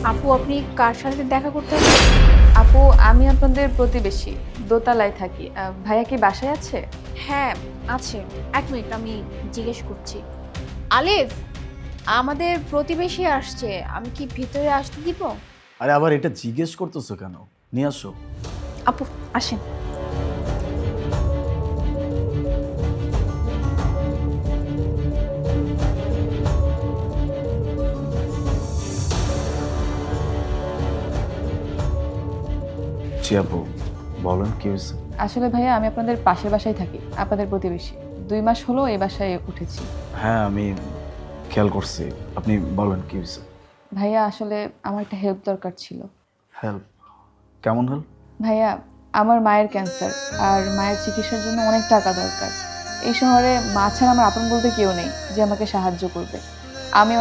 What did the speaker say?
আপু, আপনি কার সাথে দেখা করতে হবে? আপু, আমি আপনাদের প্রতিবেশী, দোতলায় থাকি। ভাইয়া কি বাসায় আছে? হ্যাঁ, আছে। ১ মিনিট, আমি জিজ্ঞেস করছি। আলিফ, আমাদের প্রতিবেশী আসছে। আমি কি ভিতরে আসতে দিব? আরে আবার এটা জিজ্ঞেস করতেছো কেন? নিয়ে আসো। আপু, আসেন। জি আপু, বলেন কি হয়েছে? আসলে ভাইয়া, আমি আপনাদের পাশের বাসায় থাকি, আপনাদের প্রতিবেশী। ২ মাস হলো এই বাসায় উঠেছি। হ্যাঁ, আমি খেয়াল করছি। আপনি বলেন কি হয়েছে? ভাইয়া, আসলে আমার একটা হেল্প দরকার ছিল। হেল্প? কেমন হেল্প? ভাইয়া, আমার মায়ের ক্যান্সার, আর মায়ের চিকিৎসার জন্য অনেক টাকা দরকার। এই শহরে মা ছাড়া আমার আপন বলতে কেউ নেই যে আমাকে সাহায্য করবে। আমি